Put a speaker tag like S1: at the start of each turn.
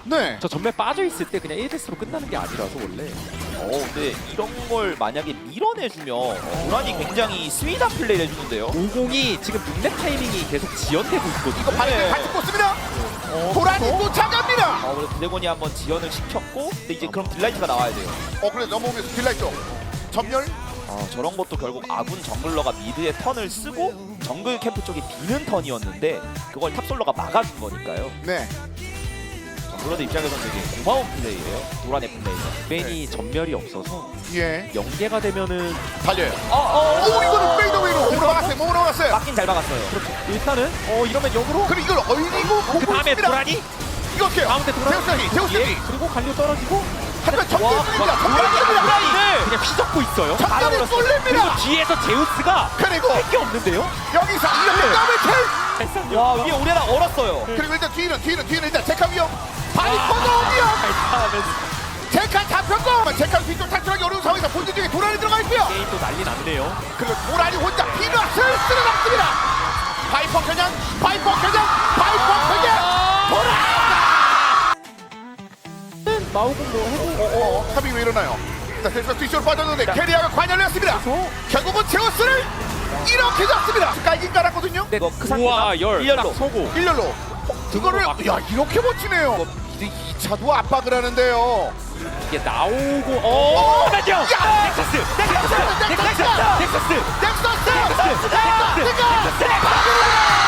S1: 네.
S2: 저 전멸 빠져 있을 때 그냥 1대스로 끝나는 게 아니라서 원래.
S3: 근데 이런 걸 만약에 밀어내주면 도란이 굉장히 스윗한 플레이를 해주는데요.
S2: 50이 지금 빅랩 타이밍이 계속 지연되고 있거든요.
S1: 이거 발을 같이 꽂습니다. 도란이 쫓아갑니다.
S3: 그래서 드래곤이 한번 지연을 시켰고, 근데 이제 그럼 딜라이트가 나와야 돼요.
S1: 그래 넘어오면서 딜라이트 전멸.
S3: 저런 것도 결국 아군 정글러가 미드에 턴을 쓰고 정글 캠프 쪽이 비는 턴이었는데 그걸 탑솔러가 막아준 거니까요.
S1: 네.
S3: 정글러들 입장에서는 되게 고마운 플레이예요. 도란의 플레이가.
S2: 벤이 전멸이 없어서
S1: 예.
S2: 연계가 되면은
S1: 달려요. 오 이거는 페이더웨이로 몸으로 막았어요. 몸으로 막았어요.
S3: 막긴 잘 막았어요.
S2: 일단은 이러면 역으로
S1: 그리고 이걸 얼리고
S2: 그 다음에 도란이
S1: 이거 어때요?
S2: 가운데 도란이
S1: 제우스이.
S2: 그리고 갈려 떨어지고
S1: 하지만 정면입니다. 정면입니다.
S2: 도란이를 그냥 휘젓고 있어요.
S1: 정면에
S2: 그리고
S1: 쏠립니다.
S2: 뒤에서 제우스가
S1: 그리고
S2: 할 게 없는데요.
S1: 여기서 이렇게 더블 킬.
S3: 와, 위에 오레나 얼었어요.
S1: 그리고 일단 뒤는 일단 제카 위험. 바리코도 위험.
S2: 발사하면서
S1: 제카 잡혔고 제카 뒤쪽 탈출하기 어려운 상황에서 본진 중에 도란이 들어가 있고요.
S2: 게임 또 난리 났네요.
S1: 그리고 도란이 혼자 피넛을 쓸어놨습니다. 바이퍼 겨냥 도란.
S2: 마오군 뭐 해도
S1: 탑이 왜 일어나요? 자, 그래서 뒤쪽으로 빠졌는데 캐리아가 관여를 했습니다. 결국은 제우스를 이렇게 잡습니다. 깔긴 깔았거든요.
S3: 이거 그
S2: 우와
S3: 상태가
S2: 열
S3: 일렬로.
S2: 딱 서고
S1: 일렬로 이거를 야 이렇게 버티네요. 이제 2차도 압박을 하는데요.
S2: 이게 나오고 나죠. 넥서스
S1: 넥서스!